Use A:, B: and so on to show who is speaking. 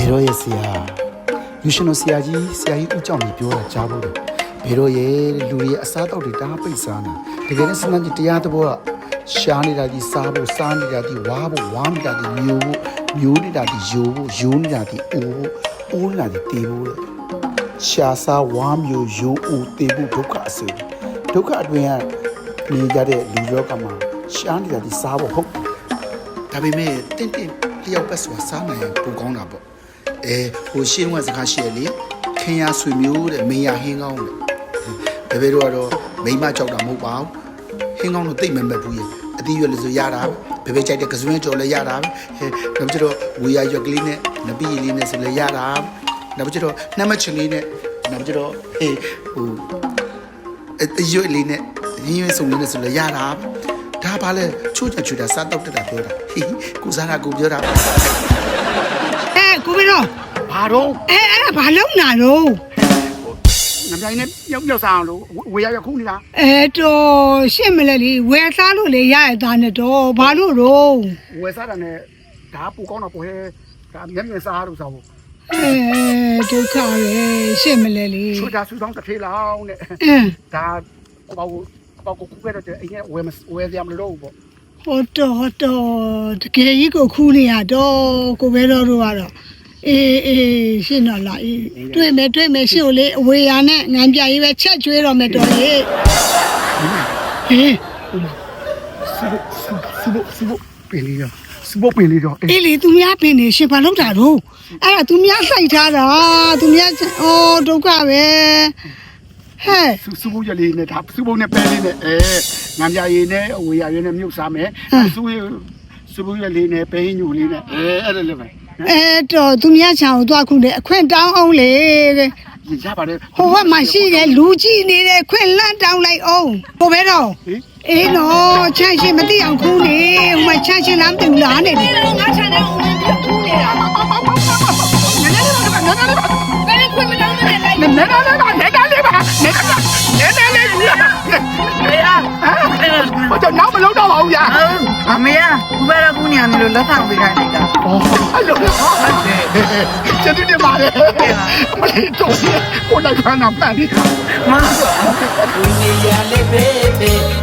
A: ဘေရောရဲ့ဆရာယူရှင်တို့ဆရာကြီးဦးကြောင့်ပြောတာကြားဖို့တယ်ဘေရောရဲ့လူတွေအစားတောက်တွေတားပိတ်စားနေတကယ်နဲ့စမ်းကြီးတရားသဘောကရှားနေတာဒီစားဖို့စားနေတာဒီဝါဖို့ဝါနေတာဒီမျိုးနေတာဒီယိုနေတာဒီအိုးနေတာဒီတေးဖို့ရှားစားဝါမျိုးယိုအိုးတေးဖို့ဒုက္ခအစေဒုက္ခအတွင်းကနေကြတဲ့လူရောကမှာရှားနေတာဒီစားဖို့ဟုတ်ဒါပေမဲ့တင့်လျောက်ပတ်စွာစားနိုင်ရင်ပိုကောင်းတာပေါ့ဟိုရှင်းဝက်စကားရှိရလေခင်ရဆွေမျိုးတဲ့မေယာဟင်းကောင်းတဲ့ဘယ်တို့ကတော့မိမကြောက်တာမဟုတ်ပါဘူးဟင်းကောင်းတော့တိတ်မမဲ့ဘူးရဲ့အသီးရွက်လို့ဆိုရတာဘယ်ကြိုက်တဲ့ကစွန်းကြော်လည်းရတာနောက်ကျတော့ဝေရရွက်ကလေးနဲ့နပီးလေးနဲ့ဆိုလည်းရတာနောက်ကျတော့နှမချင်လေးနဲ့နောက်ကျတော့ဟိုအရွက်လေးနဲ့ရင်းရွက်စုံလေးနဲ့ဆိုလည်းရတာဒါပါလေချိုးချွေတာစားတော့တက်တာပြောတာကိုစားတာကိုပြောတာ
B: ကိုမင်းတို့
A: ဘာတော့
B: အဲ့ဘာလုံးနာတော့
A: ငါတိုင်းနဲ့မြောက်စားအောင်လို့ဝေရခုနေတာ
B: တော့ရှင့်မလဲလေဝယ်စားလို့လေရရသားနဲ့တော့ဘာလို့တော့
A: ဝယ်စားတာနဲ့ဒါပူကောင်းတော့ဟဲဒါမျက်မြင်စားလို့စားဖို့
B: ဒုက္ခပဲရှင့်မလဲလေ
A: ချွတ်တာဆူဆောင်တစ်ထေးလောင်းနဲ့ဒါပေါကိုခုခဲ့တဲ့အိမ်ကဝယ်စရာမလိုတော့ဘူးပေါ့
B: ဟုတ်တော့တကယ်ကြီးကိုခူးနေရတော့ကိုပဲတော့ကတော့အေးရှင်းတော့လာအေးတွေ့မယ်ရှင်းကိုလေအဝေးရနဲ့ငံပြရေးပဲချက်ကျွေးတော့မယ်တော်ရေ
A: ဟေးစဘပင်လေးတော့
B: အေးလေသူများပင်နေရှင်ဘာလုပ်တာတော့အဲ့ဒါသူများစိုက်ထားတာသူများဒုက္ခပဲဟဲ့
A: စဘရလေးနဲ့ဒါစဘနဲ့ပဲလေးနဲ့ငံပြရေးနဲ့အဝေးရရေးနဲ့မြုပ်စားမယ်စဘရလေးနဲ့ပဲညူလေးနဲ့အဲ့ဒါလည်းပဲ
B: တော့သူများချောင်းသွားခုလေအခွင့်တောင်းအောင်လေ
A: ရပါတယ်
B: ဟိုဘက်မှာရှိတယ်လူကြည့်နေတယ်ခွင့်လန့်တောင်းလိုက်အောင်ဟိုပဲတော့အေးနော်ချမ်းရှင်မသိအောင်ခူးနေဟိုမှာချမ်းရှင်လားမသိဘူးလားနေတယ်ငါချမ်းတဲ့ဦးမင်းပြခူးနေတာနည်းခွင့်မတောင်းနဲ့လိုက်
A: နည်းလေးပါဘာကြောင့်နောက်မလုံးတော့ပါဘူးဗျာ
C: အမေကဘယ်တော့ကူညီရမလို့လက်ဆောင်ပေးခိုင်းလိုက်တာ
A: အဲ့လိုကျေးဇူးတင်ပါတယ်မလေးတော့ကိုလိုက်ခါနာပန်နေတာ
C: မဟုတ်ဘူး
D: နေရလေးပဲ